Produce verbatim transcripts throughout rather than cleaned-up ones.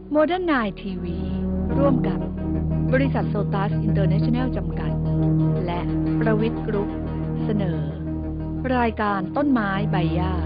โมเดิร์นไนน์ทีวีร่วมกับบริษัทโซตัสอินเตอร์เนชั่นแนลจำกัดและประวิทย์กรุ๊ปเสนอ รายการต้นไม้ใบหญ้า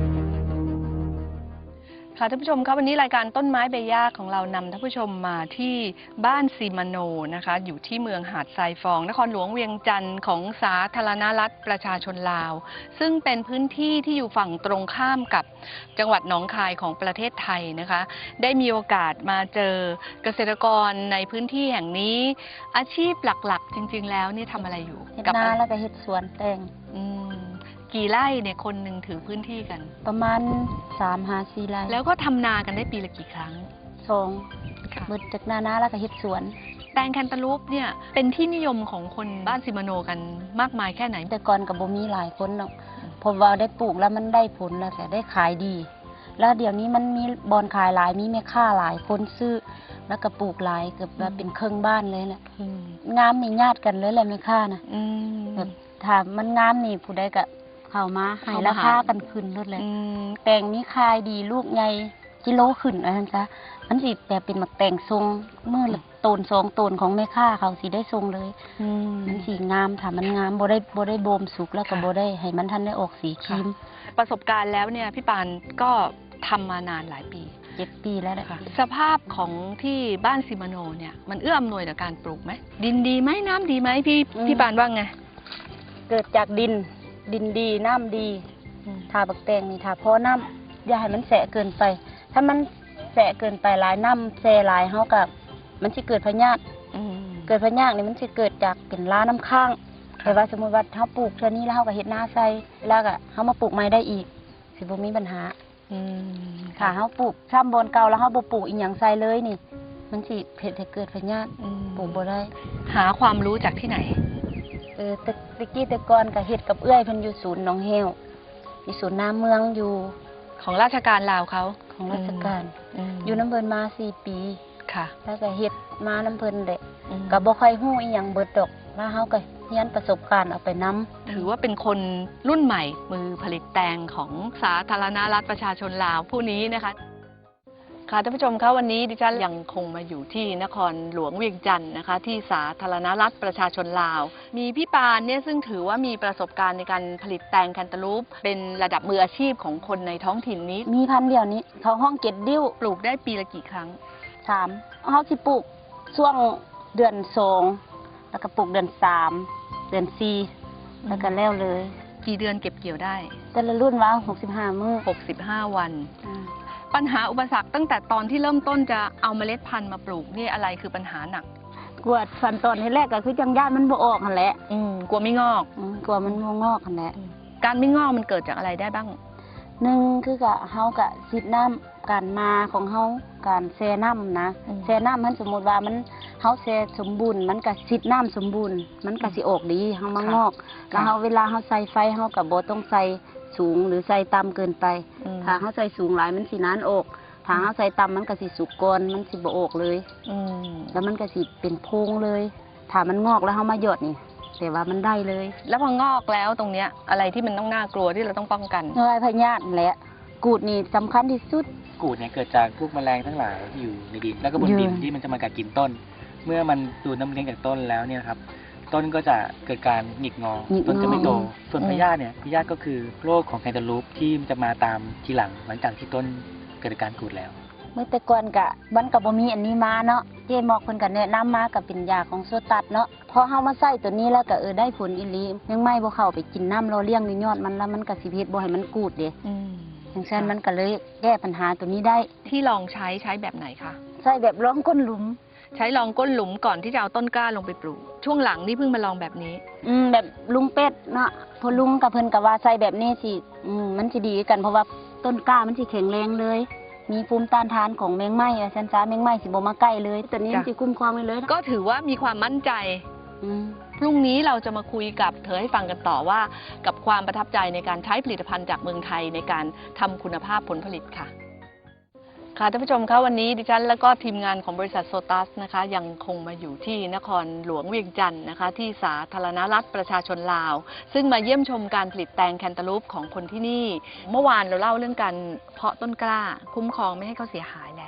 ค่ะท่านผู้ชมครับวันนี้รายการต้นไม้ใบหญ้าของเรานำท่านผู้ชมมาที่บ้านซีมาโนนะคะอยู่ที่เมืองหาดทรายฟองนครหลวงเวียงจันทร์ของสาธารณรัฐประชาชนลาวซึ่งเป็นพื้นที่ที่อยู่ฝั่งตรงข้ามกับจังหวัดหนองคายของประเทศไทยนะคะได้มีโอกาสมาเจอเกษตรกรในพื้นที่แห่งนี้อาชีพหลักๆจริงๆแล้วนี่ทำอะไรอยู่เฮ็ดนาแล้วก็เฮ็ดสวนแตงกี่ไร่เนี่ยคนหนึ่งถือพื้นที่กันประมาณสามหาสี่ไร่แล้วก็ทำนากันได้ปีละกี่ครั้งสองเบิดจากนานาแล้วก็เฮ็ดสวนแตงแคนตาลูปเนี่ยเป็นที่นิยมของคนบ้านซิมาโนกันมากมายแค่ไหนแต่ก่อนก็บ่มีหลายคนเนาะพอว่าได้ปลูกแล้วมันได้ผลแล้วก็ได้ขายดีแล้วเดี๋ยวนี้มันมีบอนขายหลายมีแม่ค้าหลายคนซื้อแล้วก็ปลูกหลายเกือบว่าเป็นครึ่งบ้านเลยแหละงามนี่ญาติกันเลยแหละแม่ค้านะแบบถ้ามันงามนี่ผู้ใดก็เข้ามาให้ราคากันขึ้นลดเลยแตงนี้ขายดีลูกใหญ่กิโลขึ้นอะไรนั่นจ้ะมันสิแบบเป็นหมักแตงทรงเมื่อต้นสองต้นของแม่ค้าเขาสิได้ทรงเลยมันสีงามถ้ามันงามบ่ได้บ่ได้โบมสุกแล้วก็บ่ได้ให้มันทันได้ออกสีครีมประสบการณ์แล้วเนี่ยพี่ปานก็ทำมานานหลายปีเจ็ดปีแล้วนะคะสภาพของที่บ้านซิมาโนเนี่ยมันเอื้ออำนวยต่อการปลูกไหมดินดีไหมน้ำดีไหมพี่พี่ปานว่าไงเกิดจากดินดินดีน้ำดีทาบักแตงนี่ทาพอน้ำอย่าให้มันแสะเกินไปถ้ามันแสะเกินไปหลายน้ำแสะหลายเฮากับมันสิเกิดพยาธิเกิดพยาธินี่มันสิเกิดจากเป็นล้าน้ำข้างแต่ว่าสมมติว่าเฮาปลูกเท่านี้แล้วเฮาก็เฮ็ดนาใส่แล้วก็เฮามาปลูกใหม่ได้อีกสิบ่มีปัญหาถ้าเฮาปลูกซ้ำบอนเก่าแล้วเฮาบ่ปลูกอีหยังใส่เลยนี่มันสิเฮ็ดให้เกิดพยาธิปลูกบ่ได้หาความรู้จากที่ไหนเออตะตะกี้แต่ก่อนก็เฮ็ดกับเอื้อยเพิ่นอยู่ศูนย์หนองแฮวมีศูนย์น้ำเมืองอยู่ของราชการลาวเขาของราชการอยู่น้ำเพิ่นมาสี่ปีค่ะแล้วก็เฮ็ดมาน้ำเพิ่นแหละก็บ่ค่อยฮู้อีหยังเบิดดอกมาเฮาก็เรียนประสบการณ์เอาไปนำถือว่าเป็นคนรุ่นใหม่มือผลิตแตงของสาธารณรัฐประชาชนลาวผู้นี้นะคะค่ะท่านผู้ชมคะวันนี้ดิฉันยังคงมาอยู่ที่นครหลวงเวียงจันทร์นะคะที่สาธารณรัฐประชาชนลาวมีพี่ปานเนี่ยซึ่งถือว่ามีประสบการณ์ในการผลิตแตงแคนตาลูปเป็นระดับมืออาชีพของคนในท้องถิ่นนี้มีพันเดียวนี้เขาห้องเก็ดดิ้วปลูกได้ปีละกี่ครั้งสามเขาสิปลูกช่วงเดือนสองแล้วก็ปลูกเดือนสามเดือนสี่แล้วก็แล้วเลยกี่เดือนเก็บเกี่ยวได้แต่ละรุ่นว่าหกสิบห้ามื้อหกสิบห้าวันปัญหาอุปสรรคตั้งแต่ตอนที่เริ่มต้นจะเอาเมล็ดพันธุ์มาปลูกนี่อะไรคือปัญหาหนักกลัวขั้นตอนที่แรกก็คือจังย่านมันบ่ออกหั่นแหละกลัวไม่งอกกลัวมันบ่งอกหั่นแหละการไม่งอกมันเกิดจากอะไรได้บ้างหนึ่งคือกะเฮากะซิดน้ำการมาของเฮาการแช่น้ำนะแช่น้ำมันสมมติว่ามันเฮาแช่สมบูรณ์มันกะซิดน้ำสมบูรณ์มันกะสิออกดีเฮามางอกแล้วเฮาเวลาเฮาใส่ไฟเฮากะบ่ต้องใส่สูงหรือใส่ต่ำเกินไปถ้าเฮาใส่สูงหลายมันสินานออกถ้าเฮาใส่ต่ำมันก็สิสุกก่อนมันสิบ่ออกเลยแล้วมันก็สิเป็นโพรงเลยถ้ามันงอกแล้วเฮามาหยอดนี่แต่ว่ามันได้เลยแล้วพองอกแล้วตรงเนี้ยอะไรที่มันต้องน่ากลัวที่เราต้องป้องกันเงยพยาธิแหละกูดนี่สำคัญที่สุดกูดเนี่ยเกิดจากพวกแมลงทั้งหลายที่อยู่ในดินแล้วก็บนดินที่มันจะมากัดกินต้นเมื่อมันดูดน้ำเลี้ยงจากต้นแล้วเนี่ยครับต้นก็จะเกิดการหงิกงอต้นจะไม่โตส่วนพยาธิเนี่ยพยาธิก็คือโรคของแคนตาลูปที่จะมาตามทีหลังหลังจากที่ต้นเกิดการกูดแล้วเมื่อแต่ก่อนกะมันก็บ่มีอันนี้มาเนาะเจ๊หมอกเพิ่นก็แนะนำมาก็เป็นยาของโซตัสเนาะพอเฮามาใส่ตัวนี้แล้วก็เออได้ผลอีหลียังไม่บ่เข้าไปกินน้ำเราเลี้ยงในยอดมันแล้วมันก็สิเฮ็ดบ่ให้มันกูดเด้อืมอย่างเช่นมันก็เลยแก้ปัญหาตัวนี้ได้ที่ลองใช้ใช้แบบไหนคะใช้แบบรองก้นหลุมใช้รองก้นหลุมก่อนที่จะเอาต้นกล้าลงไปปลูกช่วงหลังนี่เพิ่งมาลองแบบนี้อืมแบบลุงเป็ดเนาะพอลุงกับเพิ่นก็ว่าใส่แบบนี้สิอืมมันสิดีกันเพราะว่าต้นกล้ามันสิแข็งแรงเลยมีภูมิต้านทานของแมงไม้อะฉันจ้าแมงไม้สิบ่มาใกล้เลยตัวนี้สิคุ้มครองเลยก็ถือว่ามีความมั่นใจพรุ่งนี้เราจะมาคุยกับเธอให้ฟังกันต่อว่ากับความประทับใจในการใช้ผลิตภัณฑ์จากเมืองไทยในการทำคุณภาพผลผลิตค่ะค่ะท่านผู้ชมคะวันนี้ดิฉันและก็ทีมงานของบริษัทโซตัสนะคะยังคงมาอยู่ที่นครหลวงเวียงจันทร์นะคะที่สาธารณรัฐประชาชนลาวซึ่งมาเยี่ยมชมการผลิตแตงแคนตาลูปของคนที่นี่เมื่อวานเราเล่าเรื่องการเพาะต้นกล้าคุ้มครองไม่ให้เขาเสียหายแล้ว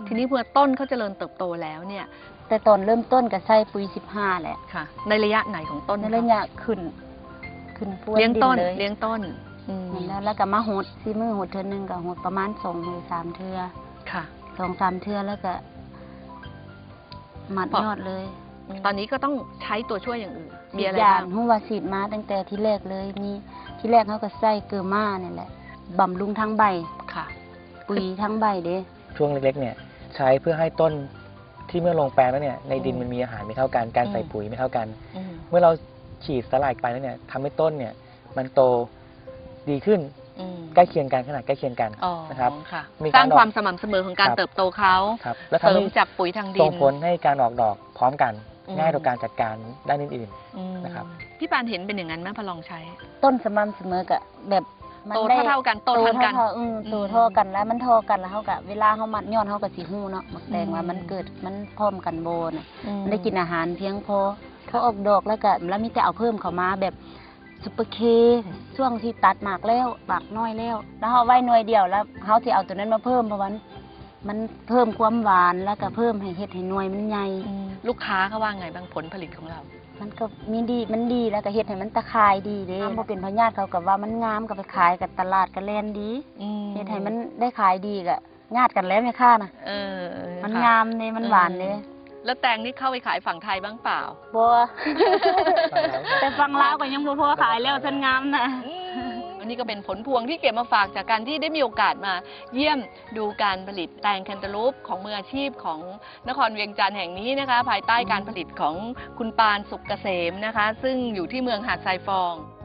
ทีนี้เมื่อต้นเขาเจริญเติบโตแล้วเนี่ยแต่ตอนเริ่มต้นก็ใส่ปุ๋ยสิบห้าแหละค่ะ ในระยะไหนของต้นในคะระยะขึ้น ขึ้นพวนเลี้ยงดินต้นเลยเลี้ยงต้นอืมนั่นแหล้วแล้วก็มาหดซีมือหดเทือนึงก็หดประมาณสองหรือสามเทือค่ะสองสามเทือแล้วก็มัดพอยอดเลยตอนนี้ก็ต้องใช้ตัวช่วยอย่างอื่นมีอะไรยาบ้างนหัวสีดมาตั้งแต่ที่แรกเลยมีที่แรกเขาก็ใส่เกลือมาเนี่ยแหละบำรุงทั้งใบค่ะปุ๋ยทั้งใบเด้ช่วงเล็กๆเนี่ยใช้เพื่อให้ต้นที่เมื่อลงแปลงแล้วเนี่ยในดินอืมมันมีอาหารไม่เท่ากันการใส่อืมปุ๋ยไม่เท่ากันอืมเมื่อเราฉีดสลายไปแล้วเนี่ยทำให้ต้นเนี่ยมันโตดีขึ้นอืมใกล้เคียงกันขนาดใกล้เคียงกันอ๋อนะครับค่ะมีสการร้างออกความสม่ำเสมอของการครับเติบโตเขาครับแล้วเสริทำมให้จากปุ๋ยทางดินส่งผลให้การออกดอกพร้อมกันอืมง่ายต่อการจัดการด้านอื่นอืมนะครับพี่ปานเห็นเป็นอย่างนั้นไหมพอลองใช้ต้นสม่ำเสมอกับแบบมันโตได้เท่าๆกันโตทันกันเท่าๆอืมโตเท่ากันแล้วมันเท่ากันแล้วเขากะเวลาเขามัดยอดเขากะสีหูเนาะหมักแตงอืมว่ามันเกิดมันพร้อมกันโบน่ะอืมมันได้กินอาหารเพียงพอเขาออกดอกแล้วก็แล้วมีแต่เอาเพิ่มเข้ามาแบบซุปเปอร์เคช่วงที่ตัดหมากแล้วหมากน้อยแล้ว แล้วเขาไว้หน่วยเดียวแล้วเขาจะเอาตัวนั้นมาเพิ่มเพราะว่ามันเพิ่มความหวานแล้วก็เพิ่มให้เห็ดให้หน่วยมันใหญ่อืมลูกค้าเขาว่าไงบ้างผลผลิตของเรามันก็มีดีมันดีแล้วก็เห็ดให้มันตะคายดีเด้พอเป็นพญาติเขากับว่ามันงามก็ไปขายกับตลาดก็แล่นดีอืมเฮ็ดให้มันได้ขายดีก็ญาติกันแล้วแม่ค่านะเออมันค่ะงามเลยมันหวานเลยแล้วแตงนี่เข้าไปขายฝั่งไทยบ้างเปล่าบั วๆแต่ฟังลาวก็ยังบ่พอขายแล้วฉันงามนะอันนี้ก็เป็นผลพวงที่เก็บมาฝากจากการที่ได้มีโอกาสมาเยี่ยมดูการผลิตแตงแคนตาลูปของมืออาชีพของนครเวียงจันทร์แห่งนี้นะคะ ภายใต้การผลิตของคุณปานสุกเกษมนะคะ ซึ่งอยู่ที่เมืองหาดทรายฟอง